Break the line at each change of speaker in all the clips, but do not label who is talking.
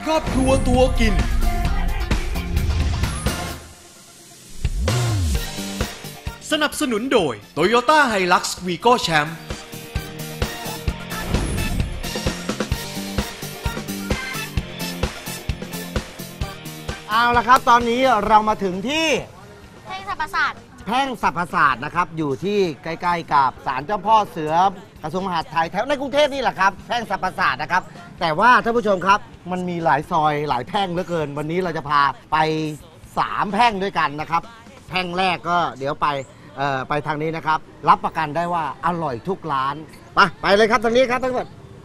รอบครัวตัวกินสนับสนุนโดย Toyota Hilux Vigo Champ
เอาละครับตอนนี้เรามาถึงที่
แพร่งสรรพศาสตร์
แพร่งสรรพศาสตร์นะครับอยู่ที่ใกล้ๆกับศาลเจ้าพ่อเสือกระทรวงมหาดไทยแถวในกรุงเทพนี่แหละครับแพร่งสรรพศาสตร์นะครับแต่ว่าท่านผู้ชมครับมันมีหลายซอยหลายแพร่งเหลือเกินวันนี้เราจะพาไป3แพร่งด้วยกันนะครับแพร่งแรกก็เดี๋ยวไปทางนี้นะครับรับประกันได้ว่าอร่อยทุกร้านไปเลยครับทางนี้ครับทั้งหมด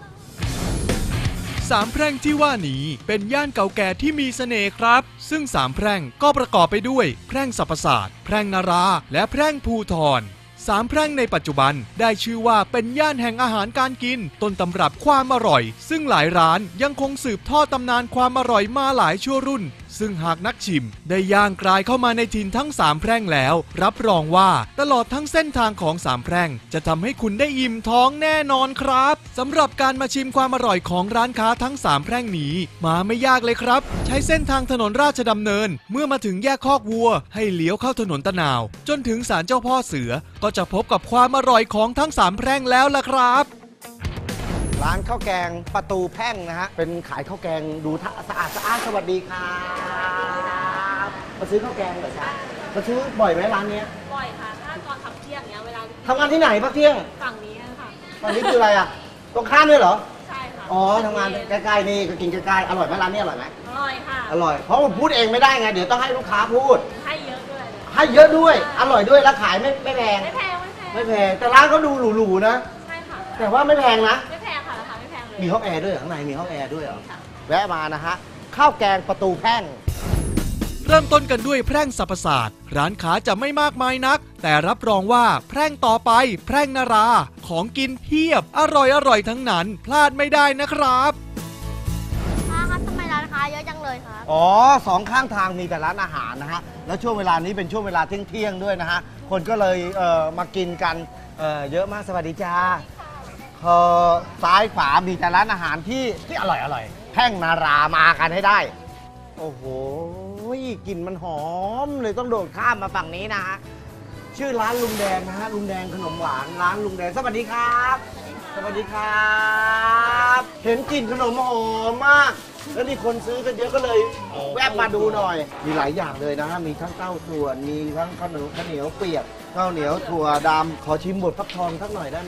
3แพร่งที่ว่านี้เป็นย่านเก่าแก่ที่มีเสน่ห์ครับซึ่ง3แพร่งก็ประกอบไปด้วยแพร่งสรรพศาสตร์แพร่งนาราและแพร่งภูธร3แพร่งในปัจจุบันได้ชื่อว่าเป็นย่านแห่งอาหารการกินต้นตำรับความอร่อยซึ่งหลายร้านยังคงสืบทอดตำนานความอร่อยมาหลายชั่วรุ่นซึ่งหากนักชิมได้ย่างกลายเข้ามาในถิ่นทั้ง3แพร่งแล้วรับรองว่าตลอดทั้งเส้นทางของ3แพร่งจะทำให้คุณได้อิ่มท้องแน่นอนครับสำหรับการมาชิมความอร่อยของร้านค้าทั้ง3แพร่งนี้มาไม่ยากเลยครับใช้เส้นทางถนนราชดำเนินเมื่อมาถึงแยกคอกวัวให้เลี้ยวเข้าถนนตะนาวจนถึงศาลเจ้าพ่อเสือก็จะพบกับความอร่อยของทั้ง3แพร่งแล้วล่ะครับ
ร้านข้าวแกงประตูแพ่งนะฮะเป็นขายข้าวแกงดูสะอาดสวัสดีครับมาซื้อข้าวแกงเหรอจ๊ะมาซื้อบ่อยไหมร้านนี้
บ่อยค่ะถ้าตอนทำเที่ยงเนี้ยเวลา
ทำงานที่ไหนพักเที่ยง
ฝั่งนี้ค่ะ
ฝั่งนี้คืออะไรอ่ะตรงข้ามด้วยเหรอ
ใช่ค่ะ
อ๋อทำงานใกล้ๆนี่ก็กินใกล้ๆอร่อยไหมร้านนี้อร่อยไหม
อร่อยค่ะ
อร่อยเพราะผมพูดเองไม่ได้ไงเดี๋ยวต้องให้ลูกค้าพูด
ให้เยอะด้วย
ให้เยอะด้วยอร่อยด้วยแล้วขายไม่แพง
ไม่แพง
แต่ร้านเขาดูหรูๆนะ
ใช่ค่ะ
แต่ว่าไม่แพงนะ
ไม่แพงค่ะราคาไม่แพงเลย
มีห้องแอร์ด้วยข้างในมีห้องแอร์ด้วยเหรอแวะมานะฮะข้าวแกงประตูแพ่ง
เริ่มต้นกันด้วยแพร่งสรรพศาสตร์ร้านค้าจะไม่มากมายนักแต่รับรองว่าแพร่งต่อไปแพร่งนาราของกินเพียบอร่อยทั้งนั้นพลาดไม่ได้นะครับ
ครับทำไมร้านค้าเยอะจังเลยครับ
อ๋อ2ข้างทางมีแต่ร้านอาหารนะฮะแล้วช่วงเวลานี้เป็นช่วงเวลาเที่ยงด้วยนะฮะคนก็เลยมากินกันเยอะมากสวัสดีจ้าซ้ายขวามีแต่ร้านอาหารที่อร่อยแพร่งนารามากันให้ได้โอ้โหกลิ่นมันหอมเลยต้องโดดข้ามมาฝั่งนี้นะฮะชื่อร้านลุงแดงนะฮะลุงแดงขนมหวานร้านลุงแดงสวัสดีครับสวัสดีครับเห็นกลิ่นขนมหอมมากแล้วมีคนซื้อกันเยอะก็เลยแวะมาดูหน่อยมีหลายอย่างเลยนะฮะมีทั้งเต้าส่วนมีทั้งข้าวเหนียวเปียกข้าวเหนียวถั่วดำขอชิมบดฟักทองสักหน่อยได้ไหม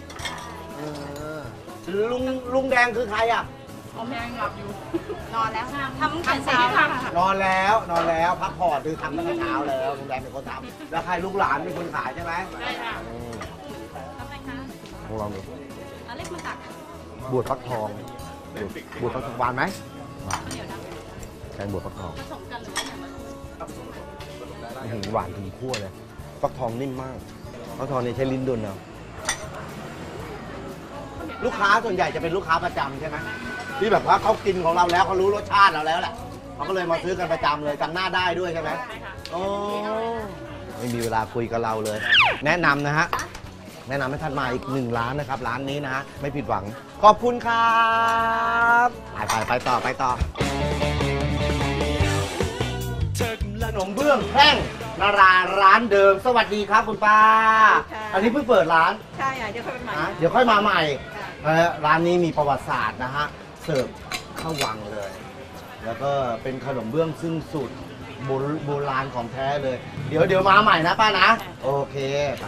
ลุงแดงคือใครอ่ะ
แดงหลับอยู่นอนแล้วทำแต่เช้าค่ะ
นอนแล้วพักผ่อนคือทำตั้งแต่เช้าแล้วลุงแดงเป็นคนทำแล้วใครลูกหลานเป็นคนขายใช่ไหม
ใช่ค่ะทำไมคะ
ลองดู
เล็กมาตัก
บวชฟักทองบวชฟักทองหวานไหมแกงบวชฟักทอง
ผสมกันหรือว่าอย่าง
ไรหวานถึงขั้วเลยฟักทองนิ่มมากฟักทองนี่ใช้ลิ้นดุลเอาลูกค้าส่วนใหญ่จะเป็นลูกค้าประจำใช่ไหมที่แบบว่าเขากินของเราแล้วเขารู้รสชาติเราแล้วแหละเขาก็เลยมาซื้อกันประจำเลยจำหน้าได้ด้วยใช่ไหมโอ้ไม่มีเวลาคุยกับเราเลยแนะนำนะฮะแนะนำให้ท่านมาอีก1ร้านนะครับร้านนี้นะฮะไม่ผิดหวังขอบคุณครับไปต่อขนมเบื้องแพร่งนาราร้านเดิมสวัสดีครับคุณป้าอันนี้เพิ่งเปิดร้าน
ใช่เดี๋ยวค่อยมาใหม่
เดี๋ยวค่อยมาใหม่ร้านนี้มีประวัติศาสตร์นะฮะเสิร์ฟข้าววังเลยแล้วก็เป็นขนมเบื้องซึ่งสูตรโบราณของแท้เลยเดี๋ยวมาใหม่นะป้านะโอเคไป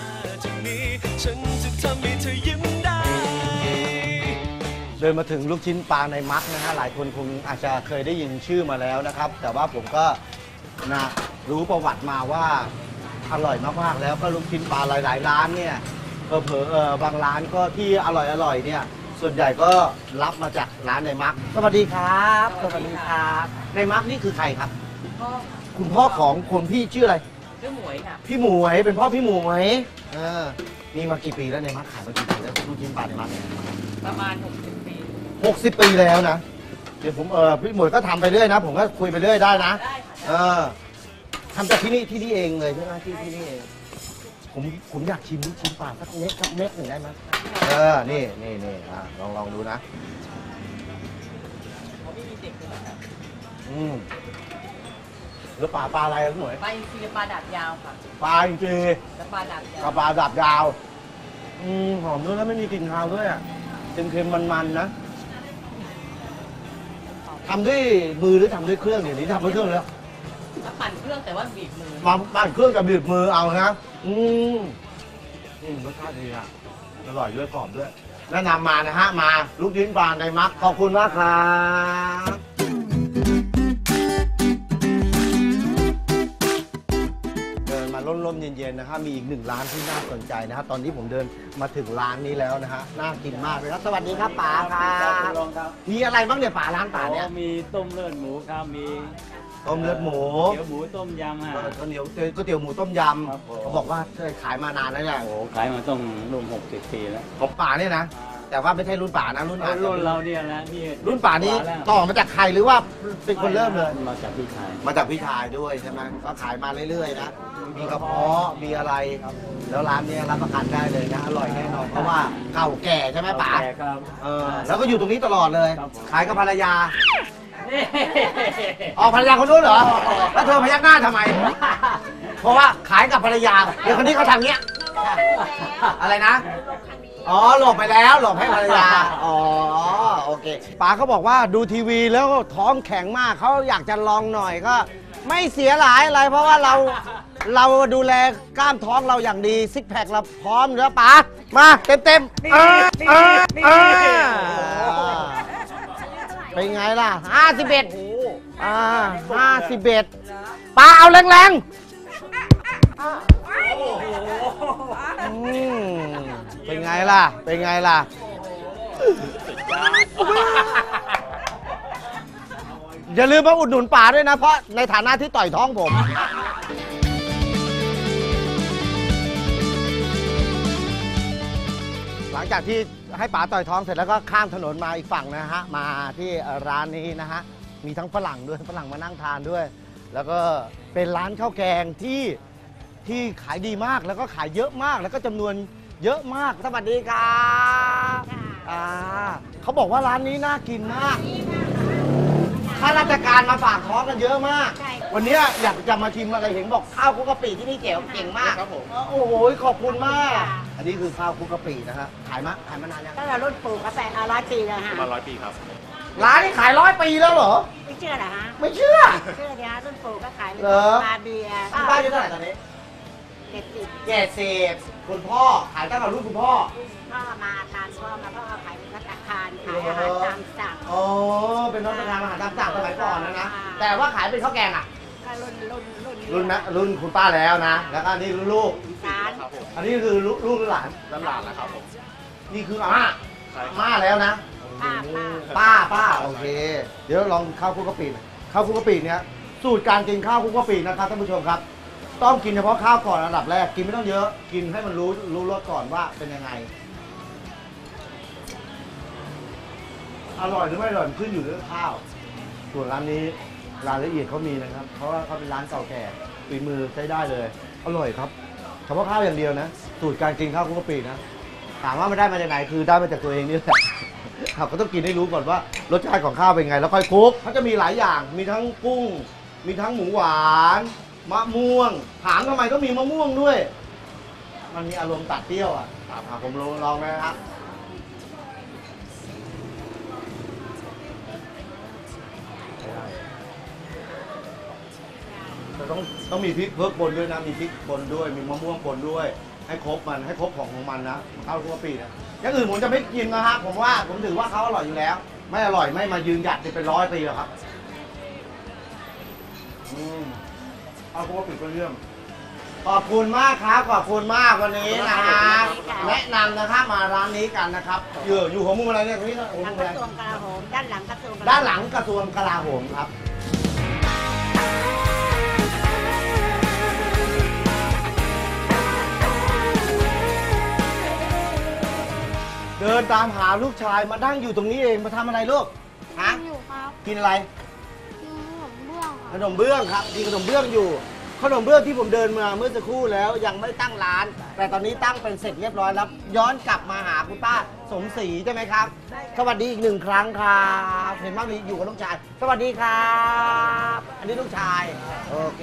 เดินมาถึงลูกชิ้นปลาในมักนะฮะหลายคนคงอาจจะเคยได้ยินชื่อมาแล้วนะครับแต่ว่าผมก็นะรู้ประวัติมาว่าอร่อยมากๆแล้วก็ลูกชิ้นปลาหลายร้านเนี่ยบางร้านก็ที่อร่อยเนี่ยส่วนใหญ่ก็รับมาจากร้านในมักสวัสดีครับสวัสดีครับในมักนี่คือใครครับคุณพ่อของคนพี่ชื่ออะไร
ชื่อหมวยค่ะ
พี่หมวยเป็นพ่อพี่หมวยนี่มากี่ปีแล้วในมักขายมากี่ปีแล้วลูกชิ้นปลาในมัก
ประมาณ60 ปี
60 ปีแล้วนะเดี๋ยวผมพี่หมวยก็ทำไปเรื่อยนะผมก็คุยไปเรื่อยได้นะทำจากที่นี่เองเลยใช่ไหมที่นี่เองผมอยากชิมลูกชิ้นปลาสักเม็ดหนึ่งได้ไหมนี่ลองดูนะแล้วปลาอะไรอ่ะพี่หมวย
ปลาอินทรีปลาดับยาวค่ะ
ปลาจริง
และปลาดับยาว
กับปลาดับยาวหอมด้วยแล้วไม่มีกลิ่นคาวด้วยอ่ะเค็มๆมันๆนะทำด้วยมือหรือทำด้วยเครื่องเดี๋ยวนี้ทำด้วยเครื่องแล้ว
ถ้าปั่นเครื่องแต่ว่าบีบมือ
มาปั่นเครื่องกับบีบมือเอานะรสชาติดีอ่ะอร่อยด้วยกรอบด้วยแนะนำมานะฮะมาลูกชิ้นปลาในมักขอบคุณมากครับเดินมาร่มๆเย็นๆนะฮะมีอีกหนึ่งร้านที่น่าสนใจนะฮะตอนนี้ผมเดินมาถึงร้านนี้แล้วนะฮะน่ากินมากเลยครับสวัสดีครับป๋าครับมีอะไรบ้างเนี่ยป๋าร้านป๋าเนี่ย
มีต้มเลือดหมูครับ มี
ต้มเลือดหมู
เกี๊ยวหมูต้มยำฮะ
ก๋วยเตี๋ยวหมูต้มย
ครับผม
ำเขาบอกว่าเคยขายมานานแล้วเนี่ย
โอ้ขายมาต้องรวม60 ปีแล้ว
ของป๋าเนี่ยนะแต่ว่าไม่ใช่รุ่นป๋านะรุ่น
รุ่นเราเนี่ยนะนี่
รุ่นป๋านี้
แล้ว
ต่อมาจากใครหรือว่าเป็นคนเริ่มเลย
มาจากพี่ชาย
มาจากพี่ชายด้วยใช่ไหมก็ขายมาเรื่อยๆนะมีกระเพาะมีอะไรแล้วร้านเนี้ยรับประกันได้เลยนะอร่อยแน่นอนเพราะว่าเก่าแก่ใช่ไหมป๋า
แก่ครับ
แล้วก็อยู่ตรงนี้ตลอดเลย
ครับ
ขายกับภรรยาอ๋อภรรยาคนนู้นเหรอแล้วเธอพยักหน้าทำไม เพราะว่าขายกับภรรยาเดี๋ยวคนนี้เขาทำเงี้ยอะไรนะ อ๋อหลบไปแล้วหลบให้ภรรยาอ๋อโอเคป๋าเขาบอกว่าดูทีวีแล้วท้องแข็งมากเขาอยากจะลองหน่อยก็ ไม่เสียหลายอะไร เพราะว่าเราดูแลกล้ามท้องเราอย่างดีซิกแพคเราพร้อมแล้วป๋ามาเต็มเป็นไงล่ะ51ป๋าเอาแรงๆเป็นไงล่ะอย่าลืมมาอุดหนุนป๋าด้วยนะเพราะในฐานะที่ต่อยท้องผม หลังจากที่ให้ป๋าต่อยท้องเสร็จแล้วก็ข้ามถนนมาอีกฝั่งนะฮะมาที่ร้านนี้นะฮะมีทั้งฝรั่งด้วยฝรั่งมานั่งทานด้วย แล้วก็เป็นร้านข้าวแกงที่ขายดีมากแล้วก็ขายเยอะมากแล้วก็จำนวนเยอะมากสวัสดีครับเขาบอกว่าร้านนี้น่ากินมากข้าราชการมาฝากท้องกันเยอะมาก วันนี้อยากจะมาชิมอะไรเห็นบอกข้าวคลุกกะปิที่นี่เก่งมากครับผมโอ้โหขอบคุณมาก อันนี้คือข้าวคลุกกะปินะฮะขายมานานยัง
ตั้งแต่รุ่นปู่กาแฟ100 ปีแล้วฮะ
มา100 ปีครับ
ร้านนี้ขาย100 ปีแล้วเหรอ
ไม่เชื่อเหรอฮะ
ไม่เชื่อ
เชื่อดิฮะรุ่นปู่ก็ขาย
เหรอ
มาเบียร์
คุณป้าอายุเท่าไหร่ตอนนี้
70
คุณพ่อขายตั้งแต่รุ่นคุณพ่อ
พ่อมาตามพ่อมาพ่อขายพัตตาคารขายอาหารตามสั่ง
อ๋อเป็นน้องประธานอาหารตามสั่งสมัยก่อนนะแต่ว่าขายเป็นข้าวแกงอ่ะ
ก็รุ่น
รุ่นนะรุ่นคุณป้าแล้วนะ แล้วก็นี่รุ่นลูก
ร้าน
อันนี้คือลูกหรือหลาน
หลานนะครับผม
นี่คืออาม่าแล้วนะ ป้าโอเค เดี๋ยวลองข้าวคลุกกะปิหน่อยข้าวคลุกกะปิเนี้ยสูตรการกินข้าวคลุกกะปินะครับท่านผู้ชมครับ ต้องกินเฉพาะข้าวก่อนอันดับแรกกินไม่ต้องเยอะ กินให้มันรู้รสก่อนว่าเป็นยังไง อร่อยหรือไม่อร่อยขึ้นอยู่ที่ข้าว ส่วนร้านนี้รายละเอียดเขามีนะครับ เพราะว่าเขาเป็นร้านเก่าแก่ฝีมือใช้ได้เลย อร่อยครับเฉพาะข้าวอย่างเดียวนะ สูตรการกินข้าวคลุกกะปินะ ถามว่ามันได้มาจากไหนคือได้มาจากตัวเองนี่แหละครับก็ต้องกินให้รู้ก่อนว่ารสชาติของข้าวเป็นไงแล้วค่อยคลุกเขาจะมีหลายอย่างมีทั้งกุ้ง มีทั้งหมูหวานมะม่วงถามทำไมก็มีมะม่วงด้วย มันมีอารมณ์ตัดเปรี้ยวอ่ะผมลองนะครับแต่ต้องมีพริกเพิ่มปนด้วยนะมีพริกปนด้วยมีมะม่วงปนด้วยให้ครบมันให้ครบของมันนะข้าวคลุกกะปินะอย่างอื่นผมจะไม่กินนะฮะผมถือว่าเขาอร่อยอยู่แล้ว ไม่อร่อยไม่มายืนหยัดเป็น100 ปีหรอกครับเอาคลุกกะปิก็เรื่องขอบคุณมากครับขอบคุณมากวันนี้นะฮะแนะนำนะครับมาร้านนี้กันนะครับอยู่หัวมุมอะไรเนี่ยตรงนี้หัว
ทา
มุ
ง
ม
ก
อะไร
ระทรวงกลาโหมด้านหลังกระทรวง
ด้านหลังกระทรวงกลาโหมครับเดินตามหาลูกชายมานั่งอยู่ตรงนี้เองมาทำอะไรลูกฮะ
อยู่ครับ
กินอะไร
กินขนมเบื้องค
ข
รับ
นมเบื้องครับกินขนมเบื้องอยู่ขนมเบื้องที่ผมเดินมาเมื่อสักครู่แล้วยังไม่ตั้งร้าน แต่ตอนนี้ตั้งเป็นเสร็จเรียบร้อยแล้วย้อนกลับมาหาคุณป้าสมศรีใช่ไหมครับ สวัสดีอีกหนึ่งครั้งครับเห็นว่ามีอยู่กับลูกชายสวัสดีครับอันนี้ลูกชายโอเค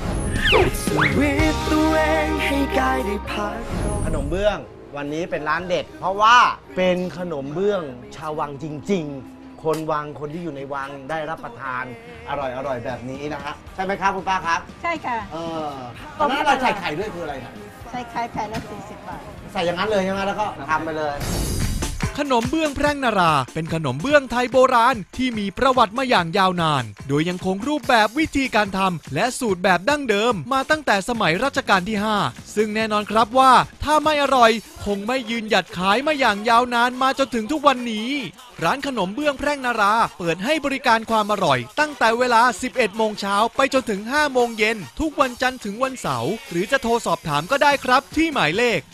ขนมเบื้องวันนี้เป็นร้านเด็ด เพราะว่าเป็นขนมเบื้องชาววังจริง ๆ คนวังคนที่อยู่ในวังได้รับประทานอร่อยแบบนี้นะฮะใช่ไหมครับคุณป้าครับ
ใช่ค่ะ
ตอนนั้นเราใส่ไข่ด้วยคืออะไรนะ
ใส่ไข่แผ่นละ40 บาท
ใส่อย่างนั้นเลยใช่ไหมแล้วก็ทำไปเลย
ขนมเบื้องแพร่งนารา เป็นขนมเบื้องไทยโบราณที่มีประวัติมาอย่างยาวนาน โดยยังคงรูปแบบวิธีการทำและสูตรแบบดั้งเดิมมาตั้งแต่สมัยรัชกาลที่ 5 ซึ่งแน่นอนครับว่าถ้าไม่อร่อยคงไม่ยืนหยัดขายมาอย่างยาวนานมาจนถึงทุกวันนี้ ร้านขนมเบื้องแพร่งนาราเปิดให้บริการความอร่อยตั้งแต่เวลา 11 โมงเช้าไปจนถึง 5 โมงเย็นทุกวันจันทร์ถึงวันเสาร์หรือจะโทรสอบถามก็ได้ครับที่หมายเลข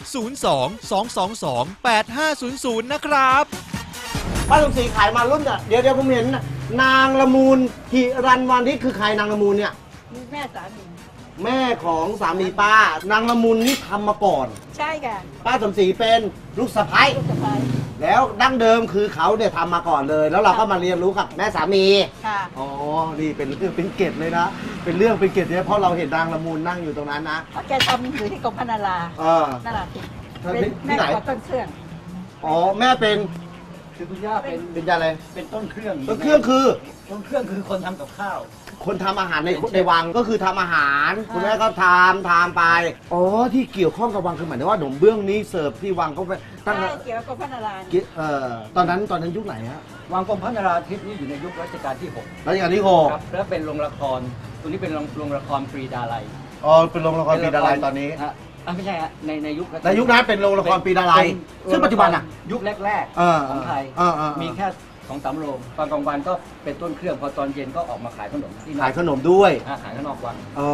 02-222-8500 นะครับ
ป้าสมศรีขายมารุ่นอ่ะเดี๋ยวผมเห็นนางละมูลหิรันวันที่คือใครนางละมูลเนี่ย
มีแม่สามี
แม่ของสามีป้านางละมุนนี่ทำมาก่อน
ใช่ค่ะ
ป้าสมศรีเป็นลูกสะใภ้
ลูกสะใภ้
แล้วดั้งเดิมคือเขาเนี่ยทำมาก่อนเลย แล้วเราก็มาเรียนรู้กับแม่สามี
ค่ะ
อ๋อนี่เป็นเรื่องเป็นเกตเลยนะเป็นเรื่องเป็นเกตเนี่ยเพราะเราเห็นนางละมุนนั่งอยู่ตรงนั้นนะ
เพราะแกทำอยู่ที่กรมพนารา นาราธิป
ที่
เป็น
ไหน
แม่ขอต้นเครื่อง
อ๋อแม่เป็น
คือคุณย่าเป็น
เป็นอะไร
เป็นต้นเครื่อง
ต้นเครื่องคือ
ต้นเครื่องคือคนทำกับข้าว
คนทำอาหารในวังก็คือทำอาหารคุณแม่ก็ทำไปอ๋อที่เกี่ยวข้องกับวังคือหมายถึงว่าขนมเบื้องนี้เสิร์ฟที่วังเขาไปตั้ง
ใช่เกี่ยวกับกรมพนารา
ตอนนั้นยุคไหนฮะ
วังกรมพระนราธิปนี่อยู่ในยุครัชกาลที่ 6
รัชกาลที่หก
ครับแล้วเป็นโรงละครตัวนี้เป็นโรงละครปรีดาลัย
อ๋อเป็นโรงละครปีดาลัยตอนนี้
ฮะไม่ใช่ฮะในยุครัชกาล
ในยุคนั้นเป็นโรงละครปีดาลัยซึ่งปัจจุบันอ่ะ
ยุคแรก
เออ
ๆของไทย มีแค่2-3 โรงตอนกลางวันก็เป็นต้นเครื่องพอตอนเย็นก็ออกมาขายขนมที่
ขายขนมด้วย
ขายข้างนอกวัง
อ๋อ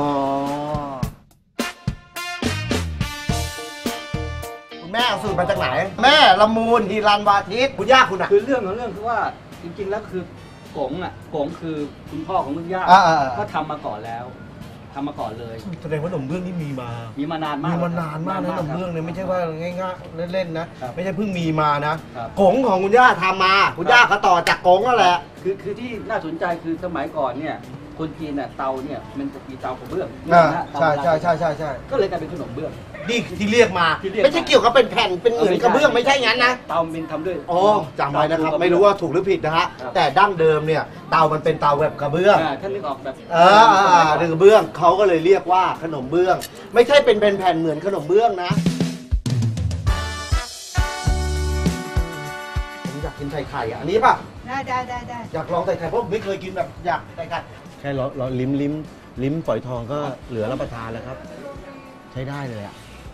คุณแม่เอาสูตรมาจากไหน แม่ละมูลฮีรันวาทิตคุณย่าคุณอ่ะ
คือเรื่องของเรื่องคือว่าจริงๆแล้วคือกงคือคุณพ่อของคุณย่า ก็ทำมาก่อนแล้วทำมาก่อนเลย
แสดงว่าขนมเบื้องนี่มีมา
มีมานานมาก
มีมานานมากนะขนมเบื้องเนี่ยไม่ใช่ว่าง่ายๆเล่นๆนะ
ครับ
ไม่ใช่เพิ่งมีมานะครับ กงของคุณย่าทำมาคุณย่าเขาต่อจากกงนั่นแหละ
คือที่น่าสนใจคือสมัยก่อนเนี่ยคนจีนน่ะเตาเนี่ยมันจะมีเตากระเบื้อง
ใช่ใช่ใช่ใช่ใช่
ก็เลยกลายเป็นขนมเบื้อง
นี่ที่เรียกมา
ที่เรียกมา
ไม่ใช่เกี่ยวกับเป็นแผ่นเป็นเหมือนกระเบื้องไม่ใช่งั้นนะ
เตามันทำด้วย
อ๋อจำไว้นะครับไม่รู้ว่าถูกหรือผิดนะฮะแต่ดั้งเดิมเนี่ยเตามันเป็นเตาแบบกระเบื้อง
ท่านนึกออกแบบ
ดึงกระเบื้องเขาก็เลยเรียกว่าขนมเบื้อง ไม่ใช่เป็นแผ่นๆเหมือนขนมเบื้องนะผมอยากกินไข่ไข่อันนี้ป่ะ
ได้
อยากลองใส่ไข่เพราะผมไม่เคยกินแบบอยากใส่ไข่แค่เราลิ้มฝอยทองก็เหลือรับประทานแล้วครับ ใช้ได้เลยอ่ะ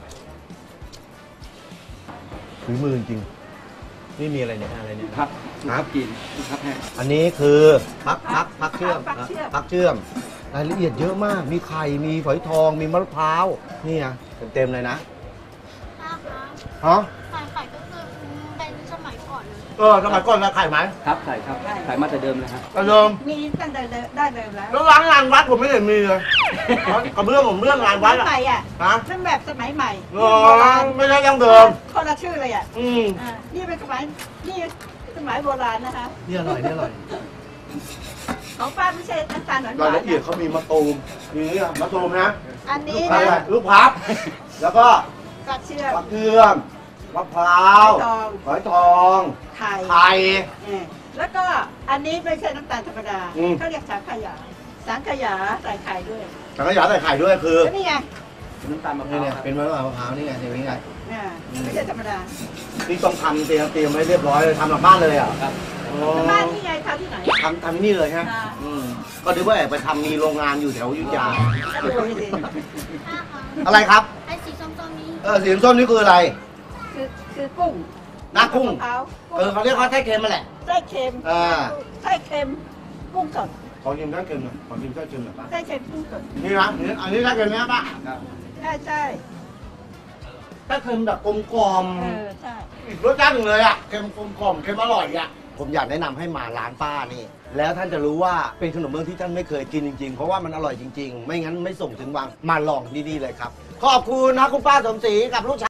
ฝีมือจริงนี่มีอะไรเนี่ยอะไรเนี่ย
ครับกินครับแห้ง
อันนี้คือพักเชื่อมพักเชื่อมรายละเอียดเยอะมากมีไข่มีฝอยทองมีมะพร้าวนี่นะเต็มเลยนะ
ป้าคะ
ฮะ
ขายก็คือเป็นสมัยก่อนเลย
สมัยก่อนนะไข่ไหม
ครับใส่ครับใส่มาแต่เดิมเลยครับ
กระเดิม
มีตั้งแต่ได้เลยแล้ว
แล้วร้านงานวัดผมไม่เห็นมีเลยกระเบื้องผมเรื่องงานวัด
ส
อะ
มัยอ่ะ
ฮะ
นั่นแบบสมัยใหม่
ไม่ใช่ดั้งเดิม
คนละชื่อเลยอ่ะ นี่เป็นสมัยโบราณนะคะ
นี่อร่อยนี่อร่อย
ของป้าไม่ใช่น้ำตาลหวาน
รายละเอียดเขามีมะตูมมีเนี่ยมะตูมนะ
อันนี้
ลูก
นะ
ลูกพับ แล้วก็
กระเชื่อม
มะเขือมมะพร้าว ฝอยทอง
ไข่
ไข่
แล้วก็อันนี้ไม่ใช่น้ำตาลธรรมดา
อืม
เขาเรียกสังขยาสังขยาใส่ไข่ด้วย
สังขยาใส่ไข่ด้วยคือ
แล้วนี่ไง
น้ำตาลมะพ
นี่
ร้าว
เนี่ย
ครับ
เป็นมะพร้าวนี่ไงนี่ไง
ไม่ใช่ธรรมดา
นี่ต้องทำเตรียมไว้เรียบร้อยเลยทำหลังบ้านเลยอ่ะ
ครับ
บ้านนี่ไงทำที่ไหน
ทำที่นี่เลยฮะ
ค่ะ
ก็นึกว่าแอบไปทำมีโรงงานอยู่แถวอยุธยา
ก็ดูสิ
ป้าคะ
อะไรครับ
ไอ้สีส้มๆนี้
สีส้มนี่คืออะไร
คือกุ้ง
หน้ากุ้ง
มะพร้าว
เขาเรียกว่าไส้เค็มมาแหละ
ไส้เค็ม ไส้เค็มกุ้งสด
ขอชิมไส้เค็มหน่อยขอชิมไส้เค็มหน่อยป้า
ไส้เค็มกุ้งสด
นี่นะอันนี้ไส้เค็มไหมป้า
ครับ
ใช่
ไส้เค็มแบบกลม
ใช่
ๆอีกรสชาติหนึ่งเลยอ่ะเค็มกลมๆเค็มอร่อยอ่ะผมอยากแนะนำให้มาร้านป้านี่แล้วท่านจะรู้ว่าเป็นขนมเบื้องที่ท่านไม่เคยกินจริงๆเพราะว่ามันอร่อยจริงๆ ไม่งั้นไม่ส่งถึงวังมาลองที่นี่เลยครับขอบคุณนะคุณป้าสมศรีกับลูกชาย